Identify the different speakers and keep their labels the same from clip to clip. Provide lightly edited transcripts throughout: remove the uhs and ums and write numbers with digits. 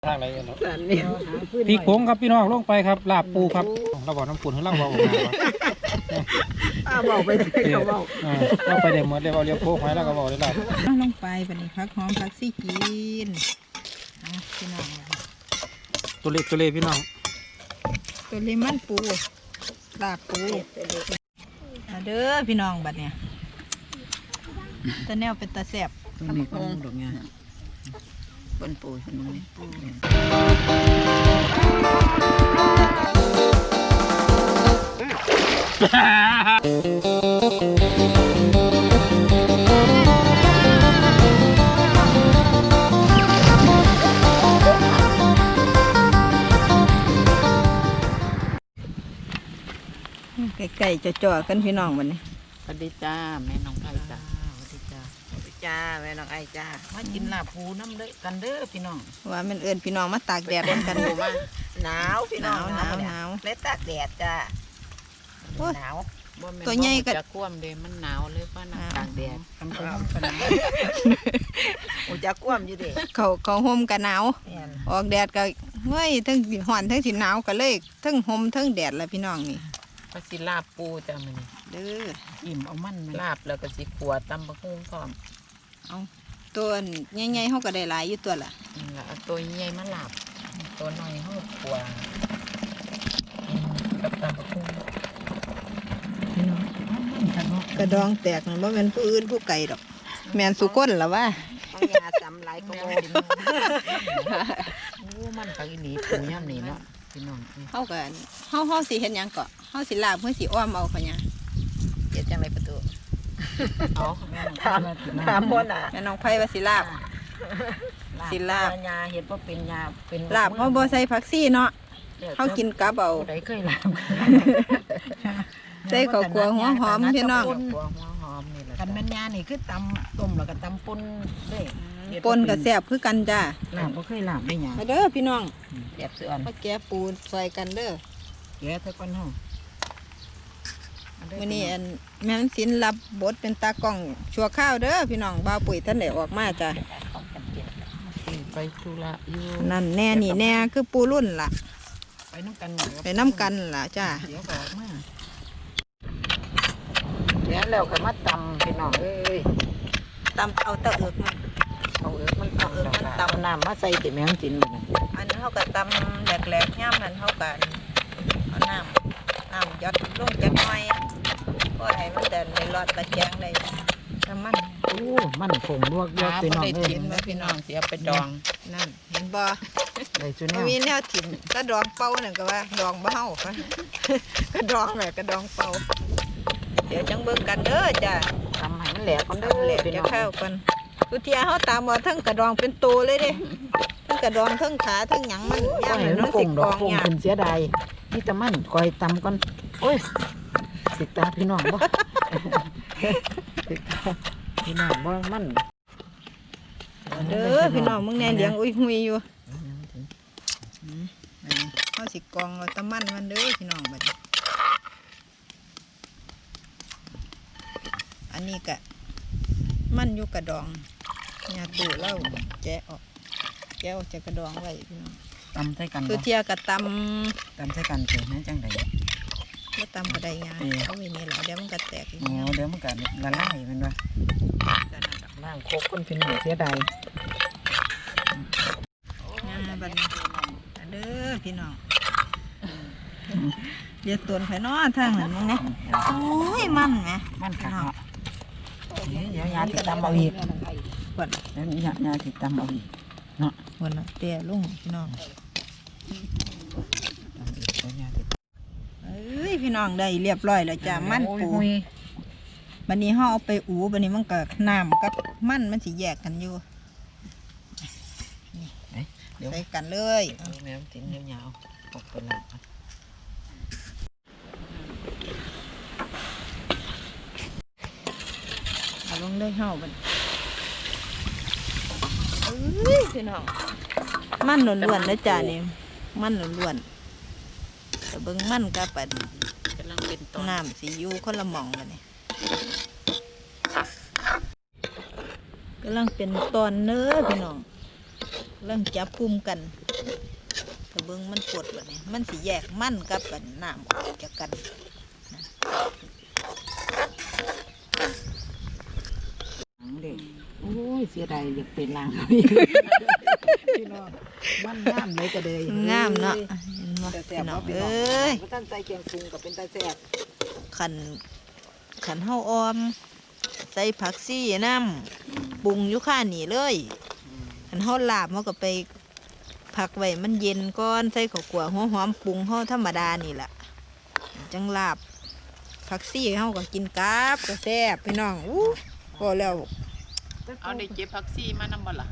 Speaker 1: ทางไหนเนาะ
Speaker 2: พี่โค้งครับพี่น้องลงไปครับลาบปูครับเราบอกน้ำปูให้เราบอก
Speaker 3: บอกไปเขาบอก
Speaker 2: เราไปเดี๋ยวหมดเดี๋ยวเราเรียกโค้งไว้แล้วก็บอกได้ลาบ
Speaker 3: ลงไปแบบนี้พักหอมพักซี่กินพี่น้อง
Speaker 2: ตัวเล็กพี่น้อง
Speaker 3: ตัวเลมันปูลาบปูเด้อพี่น้องบัดเนี่ยตะแนวเป็นตะแสบ
Speaker 4: ตัวนี้ก็ดอกงาบนปูเห็นไหม
Speaker 3: ไก่จ่อๆกันพี่น้องบัดนี้
Speaker 4: สวัสดีจ้าแม่น้องไผ่จ้า
Speaker 3: สวัสดีจ้าสวัสดีจ้าแม่น้องไอจ้า
Speaker 4: มากินลาบปูน้ำเด้อกันเด้อพี่น้อง
Speaker 3: ว่ามันเอิญพี่น้องมาตากแดดกัน
Speaker 4: มา
Speaker 3: หนาวพี่น้องหนาว
Speaker 4: เล็ดตากแดดจ้าหนาว
Speaker 3: ตัวใหญ่ก็
Speaker 4: จะคว่ำเดมันหนาวเลยว่าหนาวตากแดด
Speaker 3: โอ้จะคว่ำอยู่ดิเขาห่มกันหนาวออกแดดก็เฮ้ยทั้งห่อนทั้งสีหนาวก็เลยทั้งห่มทั้งแดดแล้วพี่น้องนี่
Speaker 4: ก็สิลาบปูจ้ามัน
Speaker 3: เด้อ
Speaker 4: อิ่มเอามันลาบแล้วก็สิขัวตำบะฮุ่งพร้อม
Speaker 3: เอาตัวใหญ่ๆเขาก็ได้หลายอยู่ตัวละ
Speaker 4: เอาตัวใหญ่มาลาบตัวน้อยเขาขัวกับตำบะฮุ่ง
Speaker 3: กระดองแตกมันว่าเป็นผู้อื่นผู้ไก่ดอกแมนสุก้นหรอวะ
Speaker 4: ต้องยาซ้ำหลายก็โม่มันปลาอีหลีปูย่ำนี่เนาะพี่น้อง
Speaker 3: เขากันเขาสิเห็นยังเกาะเขาสิลาบเพื่อสิอ้อมเอาเขาเนี่ยเจ็ดจังไรประตู
Speaker 4: เอาถามพ่อน่ะ
Speaker 3: แม่น้องไผ่ว่าสิลาบ
Speaker 4: ยาเห็ดว่าเป็นยาเป็น
Speaker 3: ลาบเขาบ่ใส่ผักซี่เนาะเขากินกับเอา
Speaker 4: ได้เคยลาบ
Speaker 3: ใส่ข้าวคั่วหัวหอมพี่น้อง
Speaker 4: กันแม่นยานี่คือตำต้มแล้วก็ตำป่นด้วย
Speaker 3: ปนกับแซ่บคือกันจ้า
Speaker 4: ลาบก็เคยลาบได้ยัง
Speaker 3: เด้อพี่น้อง
Speaker 4: แซ่บเสื่อม
Speaker 3: มาแกะปูใส่กันเด้อ
Speaker 4: แกะเท่ากันห้อง
Speaker 3: วันนี้แม่ศิลป์รับบทเป็นตากล้องชัวข้าวเด้อพี่น้องบ่าวปุ๋ยท่านได้ออกมาจ้ะ
Speaker 4: ไปธุระอยู่
Speaker 3: นั่นแน่นี่แน่คือปูรุ่นล่ะ
Speaker 4: ไปน้ำ
Speaker 3: กันล่ะจ้า
Speaker 4: เดี๋ยวออกมาเดี๋ยวแล้วก็มาตำพี่น้องเอ้ย
Speaker 3: ตำเอาตะเอิก
Speaker 4: มันตำน้ำมาใส่ติแมงจิน
Speaker 3: อันนั้นเขาก็ตำแหลกๆย่ำนั้นเขาก็เอาน้ำยัดลงจักหน่อยก็ให้มันเดินในรอดตะแกงได้น้ำมัน
Speaker 4: มันผงลวกเยอะพี่น้องพี่น้องเสียไปดอง
Speaker 3: นั่นเห็นบ่
Speaker 4: ไม่
Speaker 3: มีแนวถิ่นก็ดองเป่าหนึ่งก็ว่าดองเบ้าก็ดองแหละก็ดองเป่าเดี๋ยวจังเบิ่งกันเด้อจ้ะ
Speaker 4: ทำให้มันแหลกกันเด้อ
Speaker 3: จะเข้ากันทุเทียเขาตามว่าทั้งกระดองเป็นตัวเลยเด้ทั้งกระดองทั้งขาทั้งหยังมันย่างเหมือนน้องสิกอง
Speaker 4: เนี่ยเป็นเสียดายนี่แต่มันคอยตำกันโอ้ยติดตาพี่น้องบ่ติดตาพี่น้องบ่มัน
Speaker 3: เด้อพี่น้องมึงแน่เลี้ยงอุ้ยหุยอยู่เขาสิกองเอาตะมันมันเด้อพี่น้องบัดอันนี้กะมันอยู่กระดองยาตูเล่าแกะออกจากกระดองไว้พี่น้อง
Speaker 4: ตำใส่กัน
Speaker 3: คือเทียกับต
Speaker 4: ใส่กันเกิดนั่นจังได
Speaker 3: ก็ตำกระไดงาเขาไม่มีหรอกเดี๋ยวมันก็แตก
Speaker 4: เดี๋ยวมันก็ละลายมันว่าล่างโคกคนเป็นหนูเสียดาย
Speaker 3: บัดนี้เด้อพี่น้องเดี๋ยวตัวไผ่น้อทางเหมือนมึงเนี่ยโอ้ยมันไหม
Speaker 4: มันขาวเดี๋ยวยาติดตามเอาอีก
Speaker 3: ก่อน
Speaker 4: เดี๋ยวยาติดตามเอาอีกเนาะ
Speaker 3: วันละเตี้ยลุงพี่น้องเอ้ยพี่น้องได้เรียบร้อยแล้วจ้ามันปูบันนี้ห่อเอาไปอูบันนี้มันก็น้ำกับมันสิแยกกันอยู่ใส่กันเลย
Speaker 4: แม่ติ้งยาวๆออกไปหลัง
Speaker 3: เอาลงได้ห่อบันเอ้ยพี่น้องมันล้วนๆนะจ้านี่มันล้วนๆแต่เบิ้งมันกับปัดน้ำสียูคนละหม่องกันนี่กำลังเป็นตอนเนื้อพี่น้องกำลังจับกลุ่มกันถ้าเบิ่งมันปวดแบบนี้มันสิแยกมันกับกันน้ำออกจากกันนะ
Speaker 4: เด็กโอ้ยเสียดายอยากเป็นนางพี่น้องมันงามเลยก็เลย
Speaker 3: งามเนาะเห็นบ่
Speaker 4: แต่แซ่
Speaker 3: พี่
Speaker 4: บ
Speaker 3: น้อง
Speaker 4: พี่
Speaker 3: เอ
Speaker 4: น้อง้
Speaker 3: ย
Speaker 4: ท่านใส่เกียงปรุงกับเป็นตาแซ่บ
Speaker 3: ขันเฮาออมใส่ผักซี่น้ำปรุงอยู่ข้านี่เลยขันเฮาลาบเฮาก็ไปผักไว้มันเย็นก่อนใส่ข้าวคั่วหัวหอมปรุงเฮาธรรมดานี่แหละจังลาบผักซี่เฮาก็กินกับก็แซ่บพี่น้องอู้พอแล้ว
Speaker 1: เอาได้เก็บผักซี่มานำบ่ล่ะ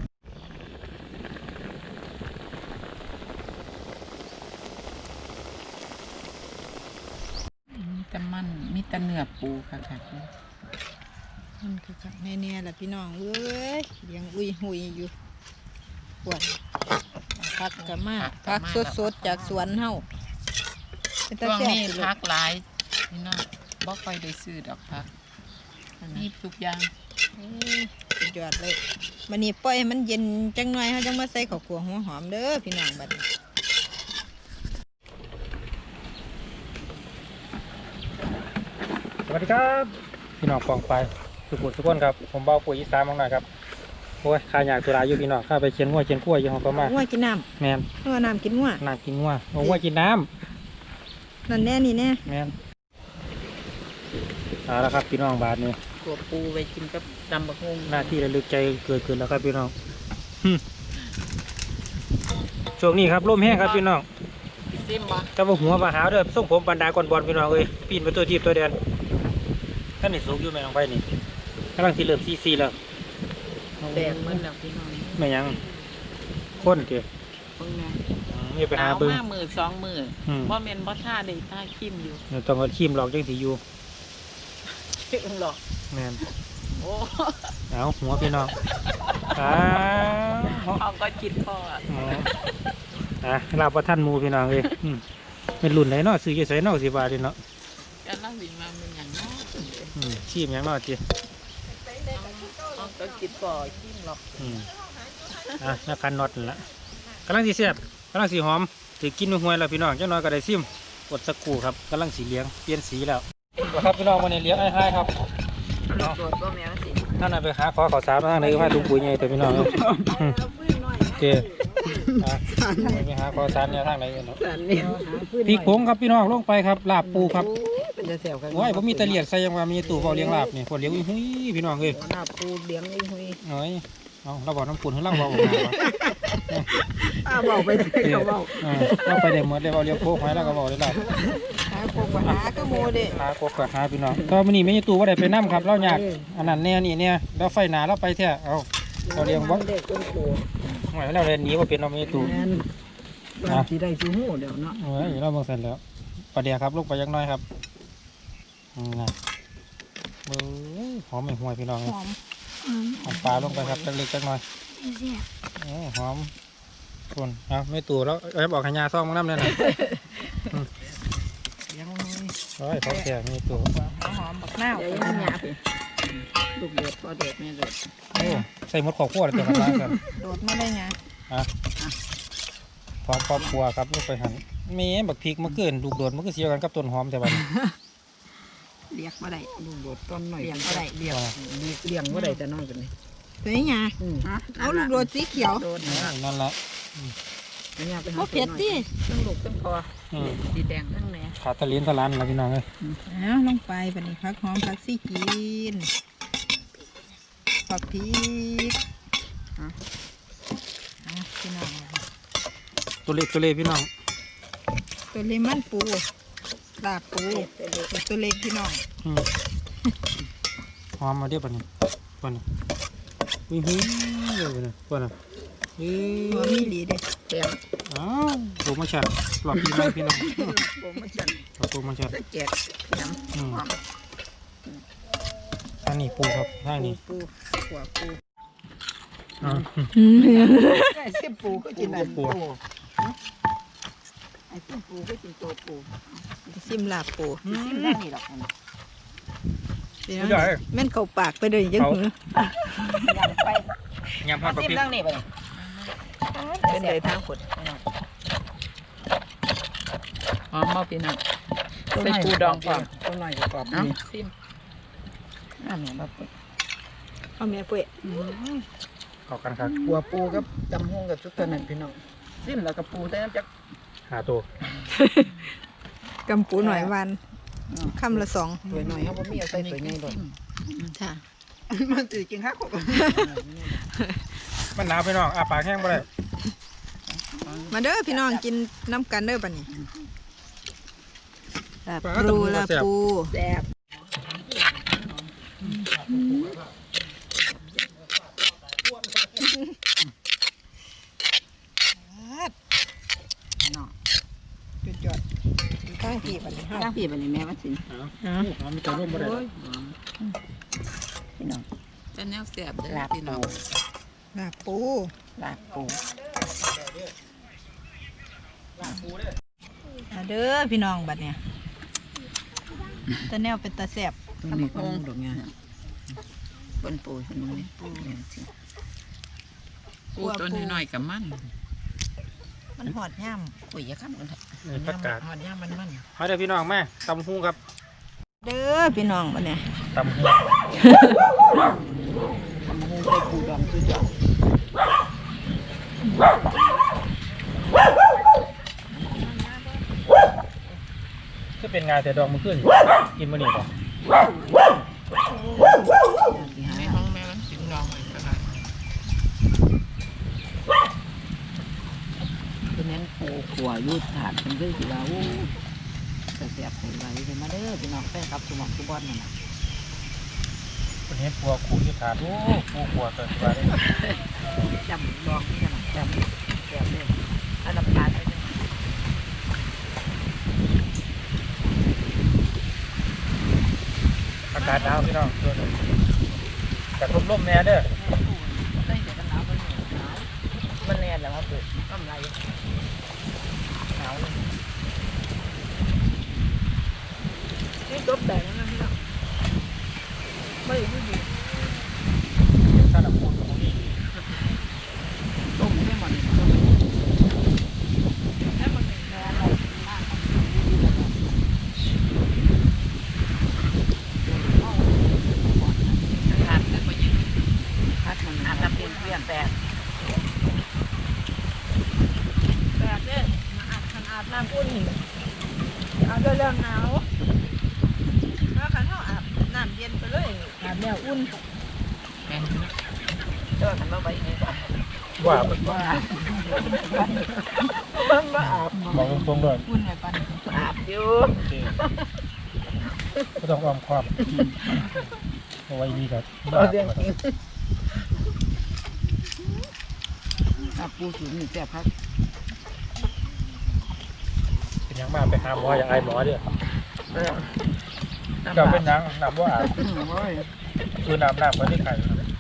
Speaker 1: มีแต่มันมีแต่เนื้อปูค่ะค่ะ
Speaker 3: มันก็จักแน่ๆล่ะพี่น้องเอ้ยยังอุ้ยหุยอยู่ปวดผักกะมาผักสดๆจากสวนเฮาเป็นตา
Speaker 1: ช่วง
Speaker 3: แซ่บ
Speaker 1: นี้
Speaker 3: สิลูก
Speaker 1: พักหลายพี่น้องบ่ค่อยได้ซื้อดอกพักมีทุกอย่าง
Speaker 3: สุดยอดเลยวันนี้ปล่อยให้มันเย็นจังหน่อยเขาจังมาใส่ข้าวคั่วหัวหอมเด้อพี่น้องบัดนี้
Speaker 2: สวัสดีครับพี่น้องปองไปสุขุมสุขคนครับผมเบาปุ๋ยอีสานมากหน่อยครับโอ้ยข้าอยากตุลาอยู่พี่น้องข้าไปเชียนงัวเชียนกล้วยอยู่ห้องก็มา
Speaker 3: งัวกินน้
Speaker 2: แมน
Speaker 3: ำงัวน้ำกินงัว
Speaker 2: น้ำกินงัวโอ้งัวกินน้
Speaker 3: นั่นแน่นี่แน่
Speaker 2: ำแมนเอาละครับพี่น้องบาทนี้
Speaker 1: ตัวปูไปกินกับตำบักฮุง
Speaker 2: หน้าที่ระลึกใจเกิดขึ้นแล้วครับพี่น้องช่วงนี้ครับลมแห้งครับพี่น้อง
Speaker 1: ซิมบ่
Speaker 2: แต่ว่าหัวมาหาเด้อส่งผมบรรดาก่อนบอลพี่น้องเอ้ยปีนไปตัวทีบตัวแดนท่านนี่สูงอยู่แม่น้องไปนี่กำลังที่เริ่มซีแล้ว
Speaker 1: แดงเหมือนแล้วพี่น้อง
Speaker 2: ไม่ยังข้นเกี่ยว
Speaker 1: เบิ่งแม่
Speaker 2: นี่ไปหา
Speaker 1: เอา
Speaker 2: เบิ้ง
Speaker 1: มามือสองมือ
Speaker 2: อืม
Speaker 1: บ่แม่นบ่ท่าได้ท่าคิมอยู่
Speaker 2: เดี๋ยวต้องเอาขีมหลอกจังสีอยู่
Speaker 1: เพิ่งหรอก
Speaker 2: แม่น
Speaker 1: โอ้
Speaker 2: เอาหัวพี่น้องอ้าว
Speaker 1: เอาก็จิตพ่ออะ
Speaker 2: ลาบประท่านหมูพี่น้องเลยเป็นรุ่นไหนเนาะซื้อยี่ใส่เนาะ10 บาทเนาะ
Speaker 1: จะเล่าสิมาเป็นอย่างน้อย
Speaker 2: ขีมหยังเนาะจี
Speaker 1: เอาก็จิตพ่อคิมหรอก
Speaker 2: นักคันน็อตนั่นละกำลังสีเสียบกำลังสีหอมถือกินห่วยๆแล้วพี่น้องจังน้อยก็ได้ซิมกดสักครู่ครับกำลังสีเหลี้ยงเปลี่ยนสีแล้วครับพี่น้องวันนี้เลี้ยงไอ้ให้ครับ
Speaker 1: โดดบ่แม่นสิ
Speaker 2: ท่านน่ะไปหาขอข้าวสารมาทางไหนก็มาถุงปุ๋ยไงแต่พี่น้องเจ๊ไปหาข้าวสารเนี่ยทางไหนกันเนาะ
Speaker 4: แต่นี่
Speaker 2: พริกผงครับพี่น้องลงไปครับลาบปูครับ
Speaker 4: เป็นตาแซ่บกัน
Speaker 2: โอ้ยผมมีตะเลียดใส่ยังว่ามีตู้เฝ้าเลี้ยงลาบนี่คนเลี้ยงอุ้ยพี่น้องเอ้ย
Speaker 4: หน้าปูเลี้ยงนี่หุย
Speaker 2: เอ้ยเอาเราบอกน้ำปุ่นให้เราบอกผมนะ
Speaker 4: ป้าบอกไปเขาบอก
Speaker 2: เราไปได้หมดได้เราเลี้ยงโคกไว้แล้วก็บอกได้ลาบ
Speaker 3: หาพวกปัญหาก็โมเด้
Speaker 2: หาโคกกับหาพี่น้องก็มันนี่ไม่มีตู้ว่าได้ไปน้ำครับเราอยากอันนั้นเนี่ยนี่เนี่ยเราไฟหนาเราไปเถอะเอาเราเลี้ยงวัด
Speaker 4: เด็กคนโต
Speaker 2: หวยเราเรียนหนีว่าเป็นเราไม่มีตู้
Speaker 4: แม่นบ้านที่ได้ชูหูเดี๋ยวเนาะ
Speaker 2: เอ้ยเราเบิ่งเสร็จแล้วประเดี๋ยวครับลูกไปยักน้อยครับนะเบ้อหอมไม่ห่วยพี่น้อง
Speaker 3: หอม
Speaker 2: หอมปลาลงไปครับจักเล็กจักน้อยหอมคนเอาไม่ตู่แล้วบอกขยาซ่องมังน้ำเนี่ยนะ
Speaker 4: เลี้ยงหุย
Speaker 2: โอ้ยเขาแก่ไม่ตู่
Speaker 3: หอมบักนาว
Speaker 4: เดี๋ยวยังหยาบอีกลูกเด็ดพอเด็ด
Speaker 1: แม่โดด
Speaker 2: โอ้ใส่หมดขอบขั้วเลยตัวกระทะกัน
Speaker 3: โดดมาได้ไง
Speaker 2: พร้อมครอบครัวครับลูกไปหันเมย์บักพริกมะเขือลูกโดดมันก็เสียกันกับต้นหอมแต่วัน
Speaker 4: เลี้ยงบ่ได้ลูกโดดต้นหน่อย
Speaker 3: เลี้ยงบ่ได้
Speaker 4: เลี้ยงเลี้ยงบ่ได้แต่น้อยกันนี่
Speaker 3: ตัวนี้ไงเอาลูกโดดสีเขียว
Speaker 4: โดด
Speaker 2: นั่นแหละ
Speaker 4: เนี่ยไปหา
Speaker 3: บ่เผ็ดดิ
Speaker 1: ทั้งลูกทั้งพ่อสีแดงทั้งแหน่
Speaker 2: ขาตะเลียนตะลันนะพี่น้องเลย
Speaker 3: เอาลงไปบัดนี้ผักหอมผักซี่กินผักพริกเอาพี่น้อง
Speaker 2: ตัวเล็กพี่น้อง
Speaker 3: ตัวเลมันปูลาบปูตัวเล็กพี่น้อง
Speaker 2: หอมมาเดี๋ยวปันนี้วิ่งเดี๋ยวปันนี้เอ้
Speaker 3: หัวยมีหลีเด้
Speaker 4: แซ่บ
Speaker 2: อ้าวโปรโมชั่นหลอดพี่น้องพี่น้อง
Speaker 4: โปรโมชั่น
Speaker 2: โปรโมชั่น
Speaker 4: แจกน้ำ
Speaker 2: ทางนี้ปูครับทางนี้
Speaker 4: ปูหัวปู
Speaker 2: อ๋อ
Speaker 4: ไอ้เส้นปูก็กินอันปูไอ้เส้นปูก็กินตัวปู
Speaker 3: ซิมลาบปู
Speaker 4: กินได้นี่หรอก
Speaker 3: พี่น้องแม่นเข้าปากไปเลยจังหือ
Speaker 4: ยังไป
Speaker 2: ยำผัดกะ
Speaker 4: ซิม
Speaker 2: ปิ
Speaker 4: นั่งนี่ไป
Speaker 3: เป็นเลยทางขด
Speaker 1: หอมบ่พี่น้องใส่ปูดองก่อน
Speaker 4: ตัวน้อยกรอบ
Speaker 1: เอ้า
Speaker 4: นี่
Speaker 1: ซิม
Speaker 4: อันนี้บ่ปุ้ย
Speaker 3: เอาแม่ปุ้ย
Speaker 2: เข้ากันครับ
Speaker 4: หัวปูกับตำฮงกับชุดตัวนั้นพี่น้องซิมแล้วก็ปูแต่น้ำจัก
Speaker 2: หาตัว
Speaker 3: กำปูหน่อยวันคำละ2
Speaker 4: ตัวน้อยเฮาบ่มีเอาใส่ตัวใหญ่ดอก
Speaker 3: จ้ะ
Speaker 4: มันสิกินฮักกบ
Speaker 2: มันหนาวพี่น้องอาปากแห้งบ่ได้
Speaker 3: มาเด้อพี่น้องกินน้ำกันเด้อบัดนี้ลา
Speaker 2: ปลา
Speaker 3: ปู
Speaker 2: ตำ
Speaker 3: ลา
Speaker 2: แซ่บ
Speaker 3: ปู
Speaker 4: แซ่บน้อง
Speaker 3: จุดจอดข้างที่บัดนี้
Speaker 4: ตั้งพี่บัดนี้แม่ว่าสิ
Speaker 2: หอมมีตัวร่มบ่ได้
Speaker 4: พี่น้อง
Speaker 1: จะแนวแซ่บเด้อ
Speaker 4: ลาบ
Speaker 1: พี่น้
Speaker 4: ปู
Speaker 1: อง
Speaker 3: ลาปู
Speaker 4: ลาบปู
Speaker 3: มาเด้อพี่น้องบัดเนี่ยตะแนวเป็นตาแซ่บ
Speaker 4: ตัวนี้ก็ดอกงาบนปูพี่น้องนี่ปูสิ
Speaker 1: ปูตัวน้อยๆกับมัน
Speaker 3: มันหอดย่
Speaker 4: ปุ้ยอย่าค้ำกันเถอะ
Speaker 2: นี่ผักกาด
Speaker 1: หอดย่ามัน
Speaker 2: มาเด้อพี่น้องแม่ตำหูครับ
Speaker 3: ำเด้อพี่น้องบัดเนี่ย
Speaker 2: ตำหู
Speaker 4: ตำฮงใส่ปูดองสุดยอด
Speaker 2: ก็เป็นงานแต่ดองมันขึ้นกินมื้อนี้บ่
Speaker 4: สิหา
Speaker 1: ในห้องแม่มันสิน้องไว้ก็ได้
Speaker 4: คือแม่นปูขัวยูดถาดเป็นคือสิว่าโอ้แซ่บไปไว้เลยมาเด้อพี่น้องแฟนครับสมองทุกบอนนั่นน่ะ
Speaker 2: เป็นเห็ดปัวขู่อยู่ถาดโอ้ปูปัวเกิดว่าได้
Speaker 4: จำดอกนี่กันจำแซ่บเลยอันดับขาดไปเลย
Speaker 2: อากาศหนาวพี่น้องตัวนี้แต่ทบลมแน่เด้อ
Speaker 4: ได้แต่กันหนาวมันหนาวมันแน่นแล้วครับปุ๊น้ำลายหนาวเลยนี่ตบแดงนะพี่น้องไม่รู้ดี
Speaker 2: ถ้าเราพูดตรงนี้
Speaker 4: ต้มให้มันต้มให้มันแน่นอนมาก
Speaker 1: ขาดคือบ่ยิน
Speaker 4: พัดมันอาบน้ำเปลี่ยนเปลี่ยนแปด
Speaker 3: แบบนี้อาบน้ำอุ่นเอาด้วยเรื่องหนาวถ้าขันเขาอาบน้ำเย็นไปเลยอาบแล้วอุ่น
Speaker 1: แม่น
Speaker 4: เดินมาไปนี่ก่อน
Speaker 2: ว่า
Speaker 4: ว่ามันมาอาบ
Speaker 2: บอกตรงๆเลย
Speaker 3: อุ่นไงปัน
Speaker 4: อาบอยู่
Speaker 2: โอเคก็ต้องอ้อมความเอาไว้ดีกับ
Speaker 4: เราเรื่องจริงอาบปูสูงนี่แซ่บครับ
Speaker 2: เป็นยังมาไปหาหมออย่าอายหมอเด้อเจ้าเป็นยังน้ำว่าอาบ
Speaker 4: โอ้ย
Speaker 2: คือน้ำไว้ในไข่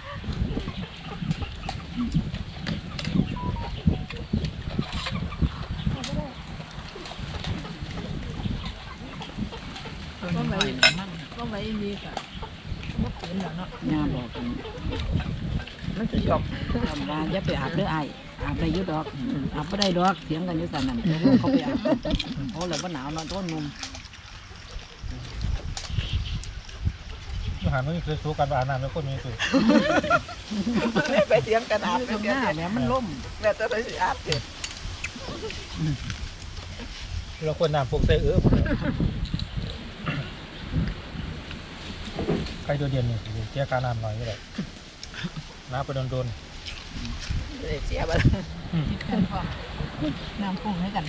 Speaker 1: ตัวน้อยๆมัน
Speaker 3: ก็ไว้ดีกะบ่ขืนแล้วเนาะ
Speaker 4: งามบอกกันมันจะจบทำงานอย่าไปอาบเด้อไออาบได้อยุดอกอาบไม่ได้ดอกเถียงกันอยู่สันนั่นเขาไปอาบโอ้แล้วว่าหนาวนอนต้นนุ่ม
Speaker 2: อาหารมันคือสู้กันอาบน้ำแล้วคนมีสุด
Speaker 4: ไปเถียงกันอาบเป็นหน้าเนี่ยมันล่มแล้วจะไปอาบเสร็จ
Speaker 2: เราควรน้ำพวกใส่ใครโดดเด่นนี่เจ้าการน้ำหน่อยก็ได้น้ำไปโดน
Speaker 4: เสียไป
Speaker 3: น้ำพุ่งให้กัน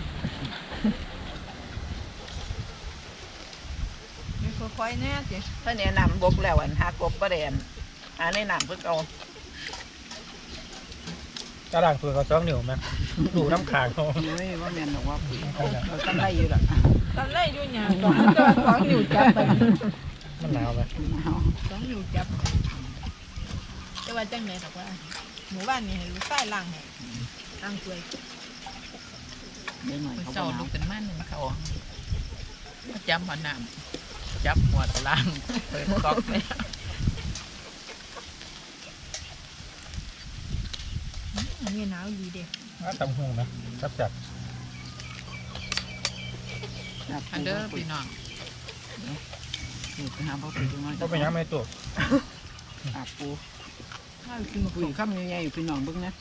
Speaker 3: มีค่อยๆแน่สิ
Speaker 4: ถ้าเนี่ยนำบกแล้วอันหากบประเด็นหาในน้ำเพิ่งเอา
Speaker 2: กระด่างตัวเขา2 นิ้วไหมดูน้ำขางเขา
Speaker 4: เฮ้ยว่าแม่นบอกว่าเราตั้งได้อยู่ละ
Speaker 3: ตอนแรกอยู่เนี่ย2 นิ้วจับไป
Speaker 2: มันหนาวไหม
Speaker 3: 2 นิ้วจับแต่ว่าจังไหนดอกว่าหมู่บ้านนี่ให้ลูกใต้ล้างให้ล้างถ้วย
Speaker 4: เดี๋ยวหน่อย
Speaker 1: มัน
Speaker 4: เขา
Speaker 1: เจ้า
Speaker 4: บอก
Speaker 1: ลูกเป็นมันนึงเขาจับหัวน้ำจับหัวตะล่างเปิดก๊อกไป
Speaker 3: อันนี้หนาวดีเด้
Speaker 2: ตำหูนะจับ
Speaker 1: อันเด้อพี่น้อง
Speaker 4: นี่ไปหาพ่อปู่จังน้อย
Speaker 2: ก็เป็นยังไม่ตัว
Speaker 4: อาบปูถ้ากินมาคุยข้ามใหญ่ๆอยู่พี่น้องเบิ่งนะ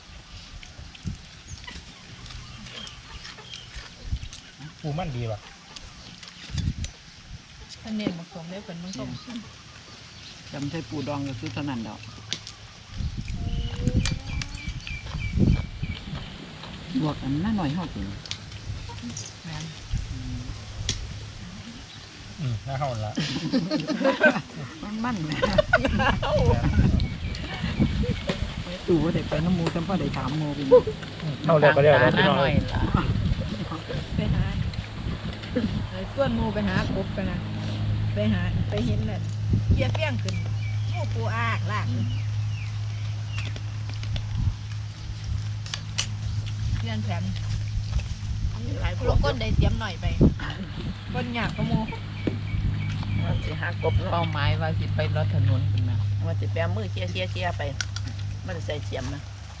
Speaker 2: ปูมันดีว่ะ
Speaker 3: ท่านเน้นผสมได้เป็นมันส้ม
Speaker 4: จำใช้ปูดองก็คือเท่านั้นดอกบวกอันน่าหน่อยเฮากิน
Speaker 1: แม่น
Speaker 2: น่าเห่าละ
Speaker 4: มันๆนะตู่ว่าได้ไปน้ำมูจำพ่อได้ถามโมเป็น
Speaker 2: เห่าแล้วก็แล้วพี่น้อง
Speaker 1: หน่อยล่ะ
Speaker 3: ไปหาส่วนหมูไปหากบกันนะไปเห็นน่ะเกียเปี้ยงขึ้นหมูปูอากลากเรียนแผนลูกก้นได้เสียมหน่อยไปก้นหยาบกระโม
Speaker 5: ว่าสิหากบ
Speaker 1: เป้าหมายว่าสิไปรถถนนเป็นมา
Speaker 5: ว่าสิแปมมือเชี่ยไป มันใส่เสียมนะ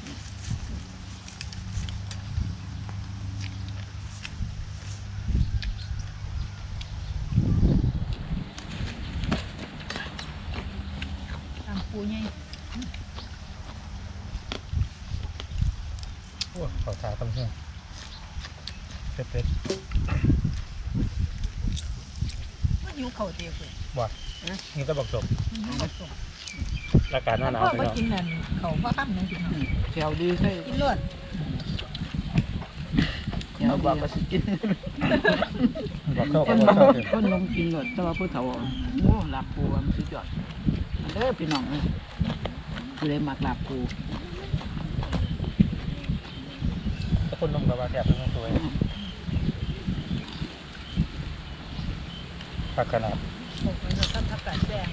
Speaker 3: ตามปูใหญ่
Speaker 2: โอ้ขอทาตำหูเผ็ด
Speaker 3: มันหิวเข่าเตียวเลย
Speaker 2: ๆบ่นี่ก็บอกจบ
Speaker 3: มันหิวเข่าส่ง
Speaker 2: อากาศหนาว
Speaker 3: พ่อ
Speaker 2: พี่
Speaker 3: มา
Speaker 2: น้อง
Speaker 3: กินนั่นเข่าพ่อข้ามนั่นกิน
Speaker 4: แถวดีใช่
Speaker 3: กินรวด
Speaker 5: เราบอกว่าสิกิน
Speaker 2: บอกเข้า
Speaker 4: ค
Speaker 2: ก็
Speaker 4: น
Speaker 2: บอกเข้าเถอะ
Speaker 4: คนนมกินหมดแต่ว่าผู้เฒ่าโอ้หลับปูมันสุดยอดอันเด้อพี่น้องเลยคือได้มักหลับปู
Speaker 2: ถ้าคนนมกับว่าแซ่บเป็นสวยผักขนาด
Speaker 3: ผมมันจะต้องทับกันแซ่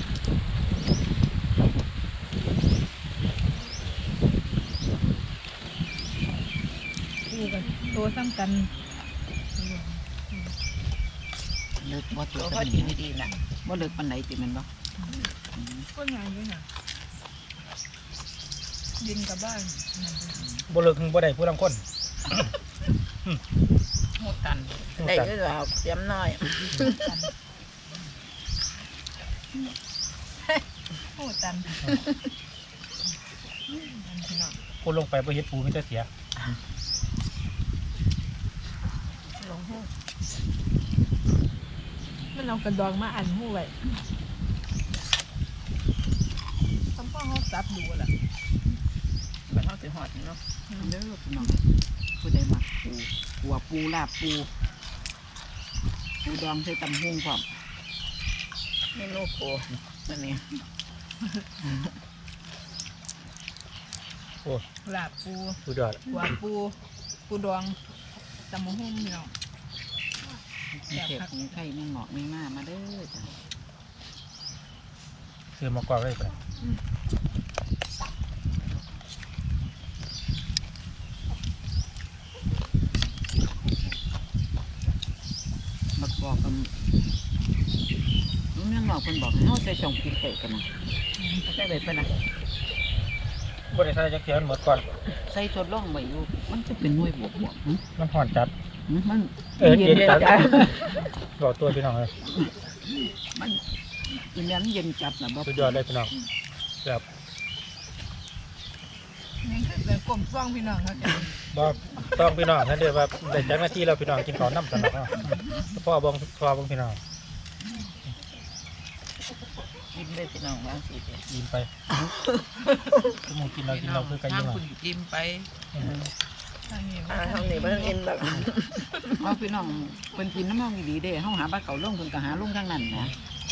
Speaker 3: ปูกันตัวซ้ำกัน
Speaker 4: เลิกบ่
Speaker 5: ตั
Speaker 4: ตัว ว
Speaker 5: พ่
Speaker 4: กั
Speaker 5: อน กินดีๆนะ
Speaker 4: บ่เลิกปันไหนติแมันบ่
Speaker 3: ก็งานด้วยนะดินกับบ้าน
Speaker 2: บ่เลิกบ่ได้ผู้ลางคน
Speaker 1: โหตัน
Speaker 5: ได้ก็เอาเสียมน้อย
Speaker 3: โอ้ตันพี่น้อง
Speaker 2: คนลงไปบ่เฮ็ดปูมีแต่เสีย
Speaker 3: ลงหูมันเอากระดองมาอันหูไว้ทำพ่อเขาซับดูแหละ
Speaker 5: มันเอาสิหอดเนาะ
Speaker 4: เด้อพี่น้องผู้ใดมักปูหัวปูลาบปูปูดองใส่ตำหุ่งพร้อม
Speaker 5: เมนูโคนั่นนี่
Speaker 2: โอ้
Speaker 3: ลาบปู
Speaker 2: สุดยอด
Speaker 3: หัวปูปูดองตำมะฮุ่มพี่น้อง
Speaker 4: มีเทพมีไข่มีหงอกมีหน้ามาเด้อจ้ะ
Speaker 2: ซื้อมากรอกได้ปะ
Speaker 4: บักบอกกันน้องยังหงอกคนบอกให้เขาใส่ช่องพริกไก่กันนะ
Speaker 5: ได้เลยปะนะ
Speaker 2: บ่ได้ใส่จักเทียนหมดก่อน
Speaker 4: ใส่ทดลองไว้อยู่มันจะเป็นหน่วยบวกหึ
Speaker 2: มันห่อนจัด
Speaker 4: มัน
Speaker 2: เย็นจัดบอกตัวพี่น้องเลย
Speaker 4: มันอีแม่นเย็นจัดนะบ่
Speaker 2: สุดยอดเลยพี่น้องแบบ
Speaker 3: นี่คือเป็นกลมซ่องพี่น้องเขาจะ
Speaker 2: บ่ต้องพี่น้องนั่นเด้อว่าได้จักหน้าที่เราพี่น้องกินข้าวน้ำสนับเนาะพ่อบ่พี่น้อง
Speaker 5: กินได้พี่น้องบางสิ
Speaker 2: ยิ้มไปมึงกินเราคือกัน
Speaker 1: ทา
Speaker 2: ยิ้
Speaker 1: ง
Speaker 2: ม
Speaker 1: คุณจิ้มไป
Speaker 3: ทางนี้
Speaker 5: ทางนี้มันเอ็นแบบ
Speaker 4: เอาพี่น้องเป็นกินน้ำมันดีเด้เฮาหาปลาเก๋าลงเพิ่นก็หาลงทางนั้นนะ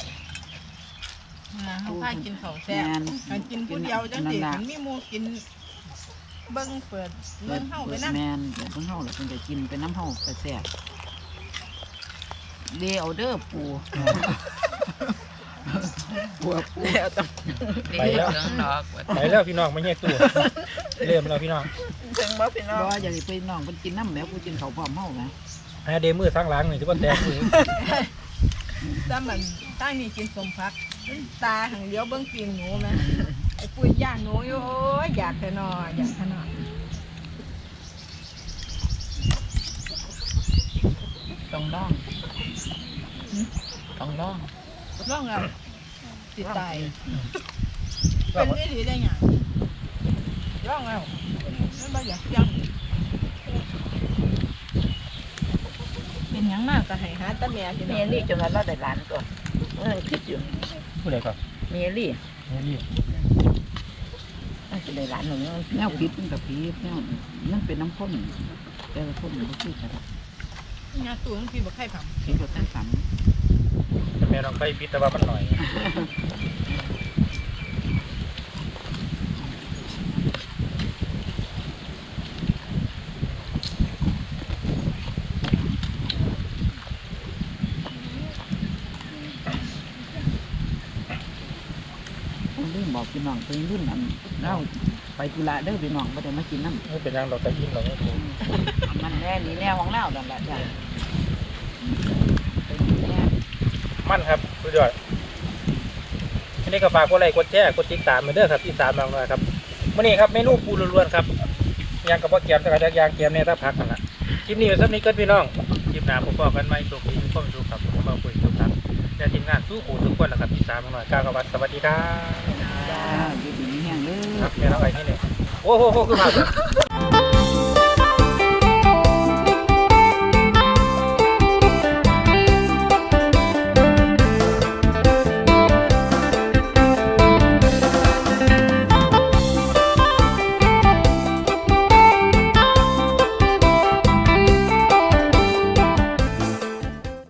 Speaker 3: เขาพากินข้าวแซ่บการกินผู้เดียวจังสิถึงมีหมูกินเบิ้งเปิดเบิ้งเข้าไปนั่ง
Speaker 4: แม่นเดี๋ยวเพิ่นเฮาแล้วเพิ่นจะกินเป็นน้ำเฮาก็แซ่บเด้เอาเด้อปูปูปู
Speaker 5: แล้วต้อง
Speaker 1: ไปแล้วเรื่องดอกว่า
Speaker 2: ไปแล้วพี่น้องไม่แยกตัวเริ่มแล้วพี่น้อง
Speaker 5: ถึงบ่พี่น้อง
Speaker 4: บ่อยากให้ไปน้องเพิ่นกินน้ำแหมกูกินข้าวพร้อมเฮานะ
Speaker 2: ให้เดมือทั้งหล้างนี่ที่ว่าแตกมือ
Speaker 3: ถ้ามันตั้งนี่กินสมพักตาหังเดียวเบิ้งปีงหนูไหมไอ้ปุ้ยย่างหนูอยู่โอ้ยอยากแต่นออยากแต่นอ
Speaker 2: ไป
Speaker 5: ต้องร้องต้องร้อง
Speaker 1: ร้องเอาสิตาย
Speaker 2: ว่า
Speaker 1: เป็นนี่ดีได้ไงร้องเอาไม่มาอยากจังเป็นหยังมากก็ให้หาตาแม่ที่
Speaker 5: เม
Speaker 1: นั่น
Speaker 5: ลี่จนวันเราได้หลานก่อนคิดอยู่
Speaker 2: ผู้ใดก็
Speaker 5: เมลี่
Speaker 2: นี่
Speaker 5: น่าจะได้หลานหนึ่ง
Speaker 4: แนวผิดมันกับผิดแนวนั่นเป็นน้ำข้นแต่ละคนมันก็คือกัน
Speaker 1: งานตัวมันกินบ่ไข่ผัง
Speaker 4: ผิดกับทั้งสาม
Speaker 2: แม่ลองไปพิดแต่ว่ามันหน่อย
Speaker 4: รุ่นบอกพี่น้องเป็นรุ่นอันเล่าไปกุละเด้อพี่น้องไม่ได้มากินน้ำ
Speaker 2: ไม่เป็นยังเราจะยิ้มเราไม่ถูก
Speaker 4: มันแน่นี่แนวของเล่าดันแหละจ้ะเป็นแน่
Speaker 2: มั่นครับสุดยอดทีนี้ก็ฝากกดไลค์กดแชร์กดติดตามมาเด้อครับที่สามบางหน่อยครับวันนี้ครับเมนูปูล้วนๆครับยางกับพ่อเกียมแต่ก็ยางเกียมเนี่ยถ้าพักกันละคลิปนี้เป็นสักนี้เกิดพี่น้องคลิปหน้าผมบอกกันไหมโชคดีทุกคนดูครับผมมาคุยทุกท่านและทีมงานสู้ผู้ทุกคนนะครับที่สามบางหน่อยก้าวกวัดสวัสดีครับ
Speaker 4: จ้าอยู่ดีนี่แห้งเด้อ
Speaker 2: ครับแม่เราไปนี่เนี่ยโอ้โหคือภาพ